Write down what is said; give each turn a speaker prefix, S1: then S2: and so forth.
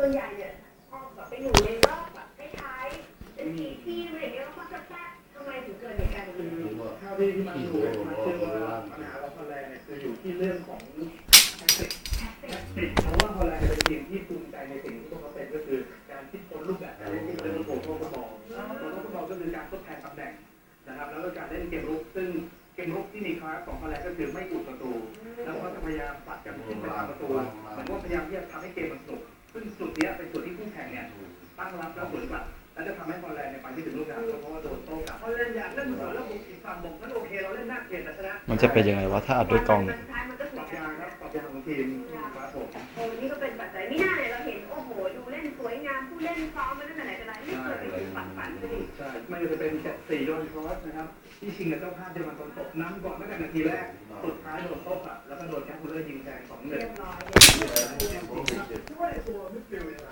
S1: วนใหญ่เนี่ยพอแบบไปอยู่ในรอบแบบท้ายๆเป็นทีมอะไรอย่างเงี้ยแล้วก็จะแทรกทำไมถึงเกิดเหตุการณ์นี้
S2: เท่าที่มันดูมันเชื่อว่าปัญหาของฮอลแลนด์เนี่ยคืออยู่ที่เรื่องของแท็กติกเพราะว่าฮอลแลนด์เป็นทีมที่ภูมิใจในสิ่งที่พวกเขาเป็นก็คือการคิดค้นรูปแบบการเล่นที่เป็นโต้ฟุตบอลก็คือการทดแทนตำแหน่งนะครับแล้วก็การเล่นเกมรุกซึ่งเกมรุกที่มีคลาสของฮอลแลนด์ก็คือไม่อุดประตูแล้วก็จะพยายามปัดกันขึ้นไปทำประตูเหมือนว่าพยายามที่จะทำให้เกมมันสนุกซึ่งจุดนี้เป็นจุดที่คู่แข่งเนี่ยตั้งรับแล้วสวนกลับแล้วจะทำให้ฮอลแลนด์ไปไม่ถึงลูกกลางเพราะว่าโดนโต้กลับฮอลแลนด์อยากเล่นเหมือนแล้วบุกอีกฝั่งบอกงั้นโอเคเราเล่นหน้าเกมแต่ชนะ
S3: มันจะเป็นยังไงวะถ้าอัดด้วยกล้อง
S1: มันก็
S2: ปรับยางครับปรับยางของทีมครับผม
S1: โอ้นี่ก็เป็นปัจจัยไม่น่าเลยเราเห็นโอ้โหดูเล่นสวยงามผู้เล่นซ้อมมาตั้งแต่ไหนแต่ไรไม่เคยไปถึงฝันเลย
S2: ใช่ไม่ว่าจะเป็น4โดนครอสนะครับที่ชิงกับเจ้าภาพเยอรมันตอนตกน้ำก่อนตั้งแต่นาทีแรกสุดท้ายโดนโต้กลับแล้วก็โดนแคปคูลเลอร์ยิงแซง2-1
S1: เรียบร้อย
S2: ด้วยตัวมิดฟิลด์